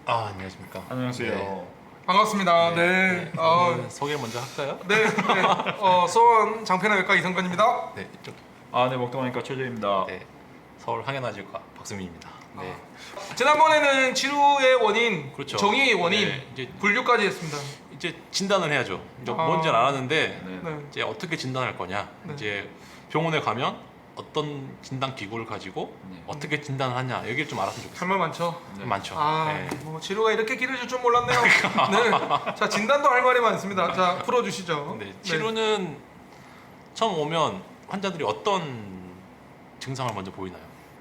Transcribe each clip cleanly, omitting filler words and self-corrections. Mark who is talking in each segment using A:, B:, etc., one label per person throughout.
A: 안녕하십니까.
B: 안녕하세요.
A: 네.
C: 반갑습니다.
A: 소개 먼저 할까요?
C: 네. 수원 장편외과 이성근입니다.
A: 네, 이쪽.
B: 네, 먹동하니까 최재입니다.
A: 네, 서울 항해나질과 박수민입니다. 네,
C: 지난번에는 치료의 원인,
A: 그렇죠.
C: 정의 원인,
A: 네, 이제
C: 분류까지 했습니다.
A: 이제 진단을 해야죠. 이제
C: 아.
A: 뭔지는 알았는데
B: 네.
C: 네.
A: 이제 어떻게 진단할 거냐.
C: 네.
A: 이제 병원에 가면 어떤 진단 기구를 가지고
B: 네.
A: 어떻게 진단을 하냐 여기를 좀 알았으면 좋겠어요.
C: 할 말 많죠.
B: 네.
A: 많죠. 네.
C: 뭐 치료가 이렇게 길어질 줄 몰랐네요. 네. 자, 진단도 할 말이 많습니다. 자, 풀어주시죠.
A: 네, 치료는 처음 오면 환자들이 어떤 증상을 먼저 보이나요?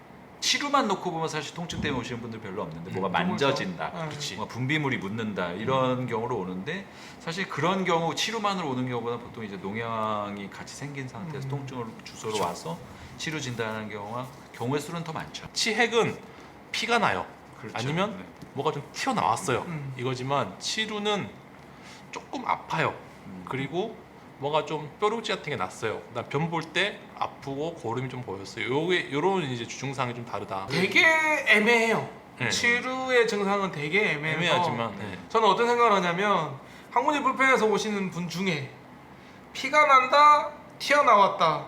B: 치료만 놓고 보면 사실 통증 때문에 오시는 분들 별로 없는데 뭐가
C: 드물죠.
B: 만져진다,
C: 네.
A: 그렇지.
B: 뭔가 분비물이 묻는다 이런 경우로 오는데 사실 그런 경우 치료만으로 오는 경우보다 보통 이제 농양이 같이 생긴 상태에서 통증을 주소로
A: 그렇죠.
B: 와서 치료 진단하는 경우의 수는 더 많죠.
A: 치핵은 피가 나요.
B: 그렇죠.
A: 아니면
B: 네.
A: 뭐가 좀 튀어나왔어요.
C: 음.
A: 이거지만 치루는 조금 아파요. 그리고 뭐가 좀 뾰루지 같은 게 났어요. 그다음 변 볼 때 아프고 고름이 좀 보였어요. 요런 이제 주증상이 좀 다르다.
C: 되게 애매해요.
A: 네.
C: 치료의 증상은 되게 애매해서
A: 애매하지만 네.
C: 저는 어떤 생각을 하냐면 항문이 불편해서 오시는 분 중에 피가 난다, 튀어나왔다,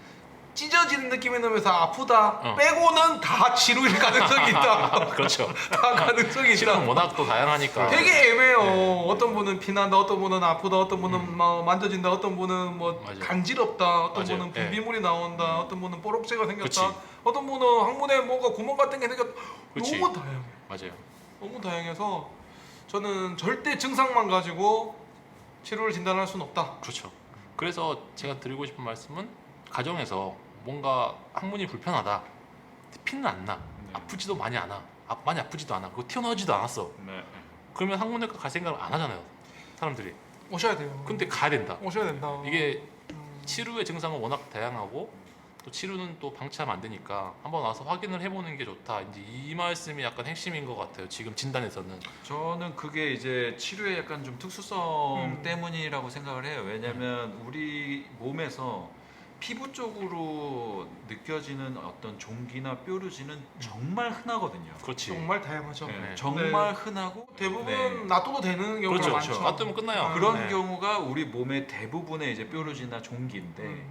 C: 찢어지는 느낌이 나면서 아프다 빼고는 다 치료일 가능성이 있다.
A: 그렇죠.
C: 다 가능성이
A: 치료는
C: 있다.
A: 워낙 또 다양하니까.
C: 되게 애매해요.
A: 네.
C: 어떤 분은 피난다, 어떤 분은 아프다, 어떤 분은 뭐 만져진다, 어떤 분은 뭐
A: 맞아요.
C: 간지럽다, 어떤
A: 맞아요.
C: 분은
A: 네.
C: 분비물이 나온다, 어떤 분은 뽀록새가 생겼다,
A: 그치.
C: 어떤 분은 항문에 뭔가 구멍 같은 게 생겼다.
A: 그치.
C: 너무 다양해.
A: 맞아요.
C: 너무 다양해서 저는 절대 증상만 가지고 치료를 진단할 수는 없다.
A: 그렇죠. 그래서 제가 드리고 싶은 말씀은 가정에서 뭔가 항문이 불편하다. 피는 안 나.
B: 네.
A: 아프지도 많이 안 와. 많이 아프지도 않아. 그리고 튀어나오지도 않았어.
B: 네.
A: 그러면 항문외과 갈 생각을 안 하잖아요. 사람들이.
C: 오셔야 돼요.
A: 근데 가야 된다.
C: 오셔야 된다.
A: 이게 치료의 증상은 워낙 다양하고 또 치료는 또 방치하면 안 되니까 한번 와서 확인을 해보는 게 좋다. 이제 이 말씀이 약간 핵심인 것 같아요. 지금 진단에서는.
B: 저는 그게 이제 치료의 약간 좀 특수성
C: 음.
B: 때문이라고 생각을 해요. 왜냐하면 우리 몸에서 피부 쪽으로 느껴지는 어떤 종기나 뾰루지는 정말 흔하거든요.
A: 그렇지.
C: 정말 다양하죠.
B: 네,
A: 네.
B: 정말 흔하고
C: 대부분
B: 네.
C: 놔둬도 되는 경우가
A: 그렇죠.
C: 많죠.
A: 그렇죠. 놔두면 끝나요.
B: 그런
A: 네.
B: 경우가 우리 몸의 대부분의 이제 뾰루지나 종기인데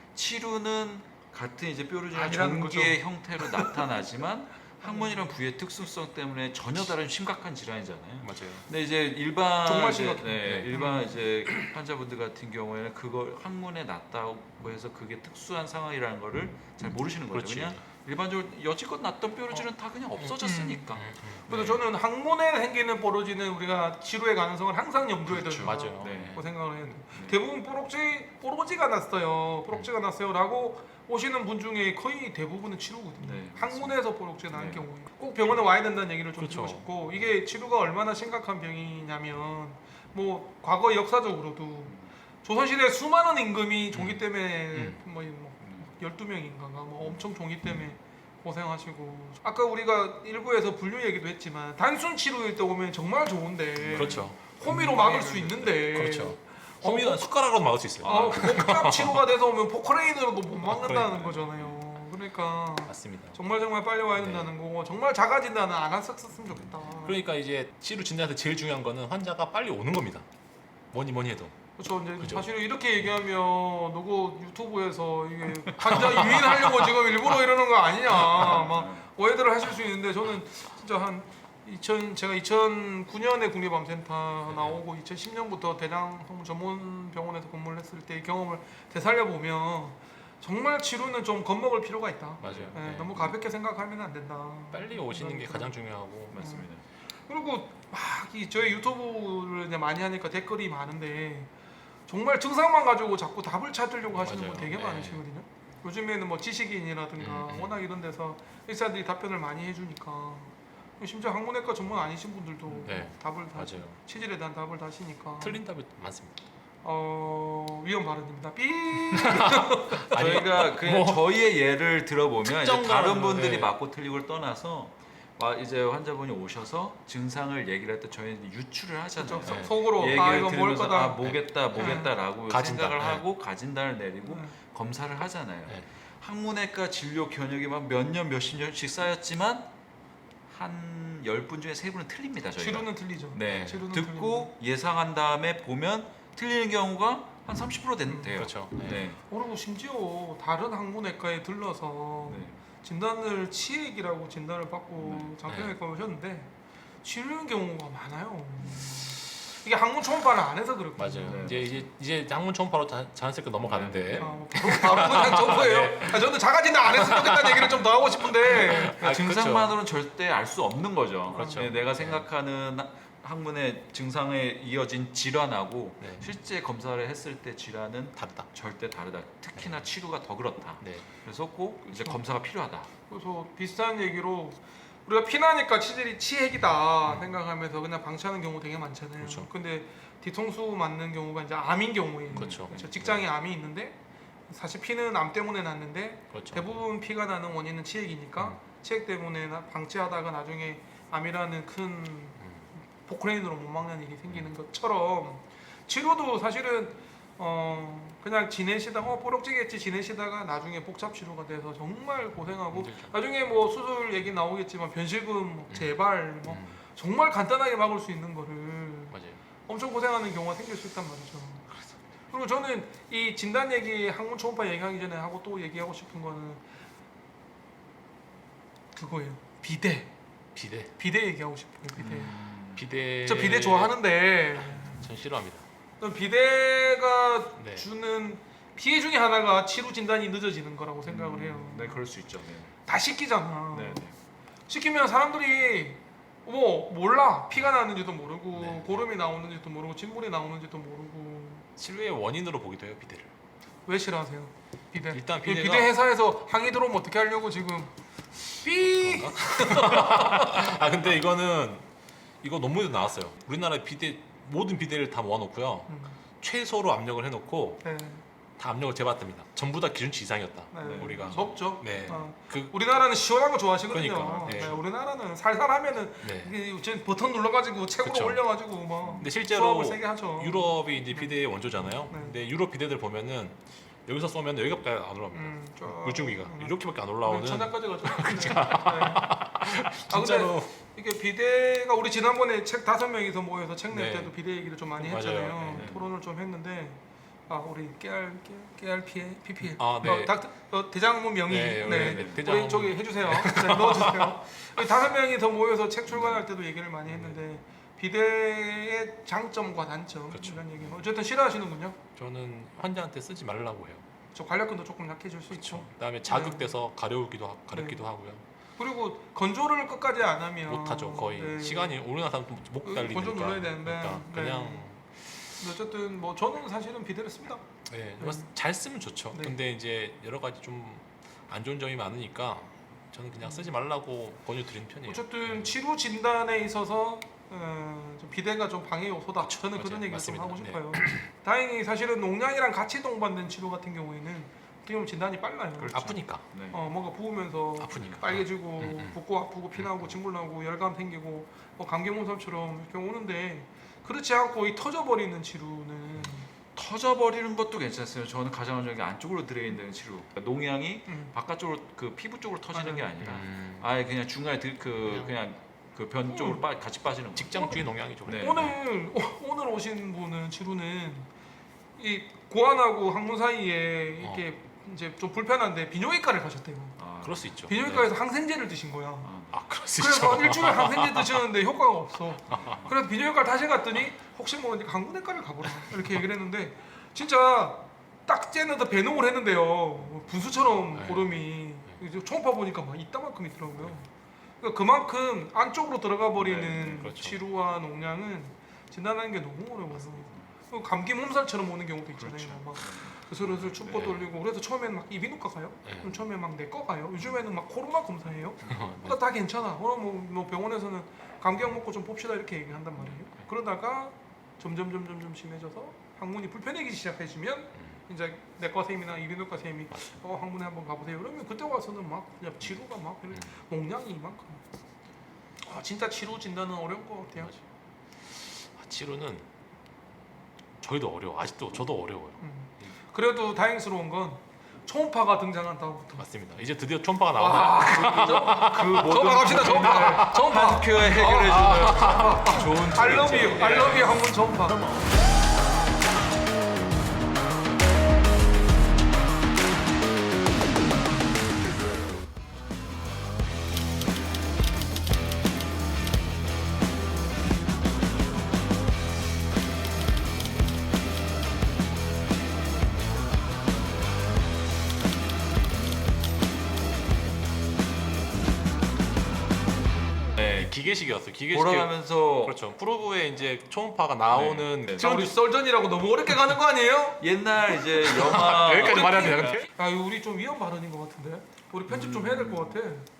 B: 치루는 같은 이제 뾰루지나
C: 아니라는
B: 종기의 형태로 나타나지만 항문이란 부위의 특수성 때문에 전혀 다른 심각한 질환이잖아요.
A: 맞아요.
B: 근데 이제 일반
C: 정말
B: 이제,
C: 심각해요.
B: 네, 일반 이제 환자분들 같은 경우에는 그걸 항문에 났다고 해서 그게 특수한 상황이라는 거를 잘 모르시는 거죠.
A: 그렇지.
B: 그냥 일반적으로 여지껏 났던 뾰루지는 다 그냥 없어졌으니까.
C: 그래서 저는 항문에 생기는 뽀로지는 우리가 치료의 가능성을 항상 염두에
B: 그렇죠.
C: 둔다.
A: 맞아요.
B: 네.
C: 고 생각을 했는데
B: 네.
C: 대부분 뽀로지가 났어요. 뽀록지가 났어요라고 오시는 분 중에 거의 대부분은 치료거든요.
B: 네,
C: 항문에서 뽀록지가 나는
B: 네.
C: 경우에 꼭 병원에 와야 된다는 얘기를 좀
A: 그렇죠.
C: 드리고 싶고 이게 치료가 얼마나 심각한 병이냐면 뭐 과거 역사적으로도 조선시대 수많은 임금이 종기 때문에 뭐 12명인가 뭐 엄청 종기 때문에 고생하시고 아까 우리가 일부에서 분류 얘기도 했지만 단순 치료일 때 오면 정말 좋은데
A: 그렇죠.
C: 호미로 막을 수 있는데
A: 그렇죠. 호미는 숟가락으로 막을 수 있어요.
C: 복합 치료가 돼서 오면 포크레인으로도 못 막는다는
A: 그러니까요.
C: 거잖아요. 그러니까
A: 맞습니다.
C: 정말 빨리 와야 된다는 거고 정말 자가 진단은 안 했었으면 좋겠다.
A: 그러니까 이제 치료 진단에서 제일 중요한 거는 환자가 빨리 오는 겁니다. 뭐니 해도.
C: 그렇죠. 이제
A: 그죠.
C: 사실 이렇게 얘기하면 누구 유튜브에서 이게 환자 유인하려고 지금 일부러 이러는 거 아니냐 막 오해들을 하실 수 있는데 저는 진짜 제가 2009년에 국립암센터 나오고 2010년부터 대장 항문 전문 병원에서 근무를 했을 때의 경험을 되살려 보면 정말 치료는 좀 겁먹을 필요가 있다.
A: 맞아요.
C: 네,
A: 네.
C: 너무 가볍게 생각하면 안 된다.
A: 빨리 오시는 게 가장 중요하고.
B: 맞습니다.
C: 그리고 저희 유튜브를 이제 많이 하니까 댓글이 많은데 정말 증상만 가지고 자꾸 답을 찾으려고 하시는
A: 맞아요.
C: 분 되게
A: 네.
C: 많으시거든요. 요즘에는 뭐 지식인이라든가 워낙 이런 데서 의사들이 답변을 많이 해주니까 심지어 항문외과 전문 아니신 분들도
A: 네.
C: 답을 다
A: 맞아요.
C: 치질에 대한 답을 다시니까
A: 틀린 답이 많습니다.
C: 위험 발언입니다. 삐.
B: 저희가 그냥
A: 뭐
B: 저희의 예를 들어보면 이제
A: 특정
B: 다른
A: 거는,
B: 분들이
A: 네.
B: 맞고 틀리고를 떠나서 이제 환자분이 오셔서 증상을 얘기를 할 때 저희는 유추를 하잖아요.
C: 그렇죠.
A: 네.
C: 속으로
B: 얘기를
C: 이건 뭘
B: 들으면서
C: 거다.
B: 뭐겠다라고
A: 가진단,
B: 생각을
A: 네.
B: 하고 가진단을 내리고
C: 네.
B: 검사를 하잖아요.
A: 네.
B: 항문외과 진료 견역이 막 몇 년 몇십 년씩 쌓였지만 한 10분 중에 3분은 틀립니다. 저희가.
C: 치료는 틀리죠.
B: 네.
C: 치료는
B: 듣고 예상한 다음에 보면 틀리는 경우가 한 30% 돼요.
A: 그렇죠. 네.
B: 네.
C: 그리고 심지어 다른 항문외과에 들러서
B: 네.
C: 진단을 치액이라고 진단을 받고
B: 네.
C: 장편외과 오셨는데 치료는 경우가 많아요. 이게 항문 초음파를 안 해서 그렇거든요.
A: 맞아요.
B: 네.
A: 이제 항문 초음파로 자연스럽게 넘어가는데
C: 바로 그냥 저거예요.
A: 네.
C: 저는 자가진단 안 했으면 좋겠다는 얘기를 좀 더 하고 싶은데
A: 아,
B: 증상만으로는 절대 알 수 없는 거죠.
A: 그렇죠.
B: 네, 내가 생각하는 항문의 증상에 이어진 질환하고
A: 네.
B: 실제 검사를 했을 때 질환은
A: 다르다.
B: 절대 다르다. 특히나 치료가 더 그렇다.
A: 네.
B: 그래서 꼭 이제
C: 그렇죠.
B: 검사가 필요하다.
C: 그래서 비슷한 얘기로 우리가 피나니까 치질이 치핵이다 생각하면서 그냥 방치하는 경우 되게 많잖아요.
A: 그렇죠.
C: 근데 뒤통수 맞는 경우가 이제 암인 경우에
A: 그렇죠.
C: 직장에 암이 있는데 사실 피는 암 때문에 났는데
A: 그렇죠.
C: 대부분 피가 나는 원인은 치핵이니까 치핵 때문에 방치하다가 나중에 암이라는 큰 포크레인으로 못 막는 일이 생기는 것처럼 치료도 사실은 그냥 지내시다가 뽀록지겠지 지내시다가 나중에 복잡 치료가 돼서 정말 고생하고
A: 힘들죠.
C: 나중에 뭐 수술 얘기 나오겠지만 변실금 뭐 재발 뭐
A: 음,
C: 정말 간단하게 막을 수 있는 거를
A: 맞아요.
C: 엄청 고생하는 경우가 생길 수 있단 말이죠. 그리고 저는 이 진단 얘기 항문 초음파 얘기하기 전에 하고 또 얘기하고 싶은 거는 그거예요. 비대 얘기하고 싶어요. 비대.
A: 비대.
C: 저 비대 좋아하는데
A: 전 싫어합니다.
C: 저는 비대가
A: 네.
C: 주는 피해 중에 하나가 치료 진단이 늦어지는 거라고 생각을 해요.
B: 네, 그럴 수 있죠. 네.
C: 다 시키잖아.
B: 네. 네.
C: 시키면 사람들이 뭐 몰라 피가 나는지도 모르고
A: 네.
C: 고름이 나오는지도 모르고 진물이 나오는지도 모르고
A: 치료의 원인으로 보기도 해요, 비대를.
C: 왜 싫어하세요? 비대.
A: 일단
C: 이
A: 비대가-
C: 비대 회사에서 항의 들어오면 어떻게 하려고 지금 삐.
A: 아 근데 이거 논문에도 나왔어요. 우리나라 비대 모든 비대를 다 모아놓고요. 최소로 압력을 해놓고
C: 네.
A: 다 압력을 재봤답니다. 전부 다 기준치 이상이었다.
C: 네.
A: 우리가.
C: 높죠.
A: 네.
C: 그 우리나라는 시원한 거 좋아하시거든요.
A: 그러니까, 네.
C: 네, 우리나라는 살살하면은
A: 네.
C: 이게 지금 버튼 눌러가지고 책으로
A: 그쵸.
C: 올려가지고 막
A: 근데 실제로
C: 수업을 세게 하죠.
A: 유럽이 이제 비대의 원조잖아요.
C: 네.
A: 근데 유럽 비대들 보면은 여기서 쏘면 여기밖에 안 올라옵니다.
C: 쭉.
A: 물줄기가 이렇게밖에 안 올라오는.
C: 천장까지 가죠. 아
A: 진짜로.
C: 근데 이게 비대가 우리 지난번에 책 5명이서 모여서 책 낼
A: 네.
C: 때도 비대 얘기를 좀 많이
A: 맞아요.
C: 했잖아요.
A: 네.
C: 토론을 좀 했는데 우리 깨알 PPL
A: 아, 네.
C: 대장문 명의
A: 네,
C: 네.
A: 네,
C: 우리
A: 대장문.
C: 저기 해주세요. 네, 넣어주세요. 우리 5명이서 모여서 책 출간할 때도 얘기를 많이 했는데 비대의 장점과 단점
A: 그렇죠.
C: 이런 얘기. 어쨌든 싫어하시는군요.
A: 저는 환자한테 쓰지 말라고 해요.
C: 저 관략근도 조금 약해질 수 있죠.
A: 그다음에 자극돼서 가렵기도 하고요.
C: 그리고 건조를 끝까지 안 하면
A: 못하죠. 거의
C: 네.
A: 시간이 오래 나서 목 달리니까.
C: 건조 눌러야 되는데
A: 그러니까 그냥
C: 근데 어쨌든 뭐 저는 사실은 비대를 씁니다.
A: 네, 잘 쓰면 좋죠.
C: 네.
A: 근데 이제 여러 가지 좀 안 좋은 점이 많으니까 저는 그냥 쓰지 말라고 권유드리는 편이에요.
C: 어쨌든 치료 진단에 있어서 좀 비대가 좀 방해 요소다. 저는 그런
A: 맞아요.
C: 얘기를
A: 맞습니다.
C: 좀 하고 싶어요. 다행히 사실은 농양이랑 같이 동반된 치료 같은 경우에는 어떻게 보면 진단이 빨라요.
B: 그렇죠.
A: 아프니까.
B: 네.
C: 뭔가 부으면서
A: 아프니까.
C: 빨개지고
A: 음.
C: 붓고 아프고 피 나오고 진물 나오고 열감 생기고 뭐 감기 몸살처럼 이렇게 오는데 그렇지 않고 이 터져버리는 치료는
B: 터져버리는 것도 괜찮았어요. 저는 가장 먼저 안쪽으로 들어있는 치료. 농양이 바깥쪽으로 그 피부 쪽으로 터지는 게 아니라 아예 그냥 중간에 그냥 그 변 쪽으로 같이 빠지는 거.
A: 직장주의 농양이죠.
B: 네.
C: 오늘 오신 분은 치료는 이 고환하고 항문 사이에 이렇게 이제 좀 불편한데 비뇨기과를 가셨대요.
A: 그럴 수 있죠.
C: 비뇨기과에서 항생제를 드신 거야.
A: 그럴 수
C: 그래서
A: 있죠.
C: 일주일 항생제 드셨는데 효과가 없어. 그래서 비뇨기과를 다시 갔더니 혹시 모르니까 항문외과를 가보라 이렇게 얘기를 했는데 진짜 딱 째는데 배농을 했는데요. 분수처럼
A: 네.
C: 고름이 이제 초음파 보니까 막 이따만큼 있더라고요. 그러니까 그만큼 안쪽으로 들어가 버리는
A: 네, 그렇죠.
C: 치료와 농양은 진단하는 게 너무 어려워요. 감기 몸살처럼 오는 경우도 있잖아요.
B: 그렇죠.
C: 막 슬슬 춥고
A: 네.
C: 떨리고 그래서 처음에는 막 이비인후과 가요.
A: 네.
C: 그럼 처음에 막 내과 가요. 요즘에는 막 코로나 검사해요.
A: 네.
C: 그러니까 다 괜찮아. 그럼 뭐 병원에서는 감기약 먹고 좀 봅시다 이렇게 얘기한단 말이에요. 그러다가 점점 심해져서 항문이 불편해지기 시작해지면 이제 내과 선생님이나 이비인후과 선생님이 항문에 한번 가보세요. 그러면 그때 와서는 막 그냥 치료가 막 농량이 이만큼. 진짜 치료 진단은 어려운 것 같아요.
A: 치료는 저희도 어려워. 아직도 저도 어려워요.
C: 그래도 다행스러운 건 초음파가 등장한 다음부터.
A: 맞습니다. 이제 드디어 초음파가 나옵니다.
B: 그 모든
C: 초음파 갑시다. 초음파. 초음파.
B: 한 큐에 해결해주는 좋은
C: 알러뷰. 알러뷰 한번 초음파.
A: 네, 기계식이었어요. 기계식.
B: 돌아가면서
A: 그렇죠. 프로브에 이제 초음파가 나오는
B: 네.
C: 자, 우리 썰전이라고 너무 어렵게 가는 거 아니에요?
B: 옛날 이제 영화
A: 여기까지 말해야 되나 근데?
C: 야, 이거 우리 좀 위험 발언인 것 같은데. 우리 편집 좀 해야 될 것 같아.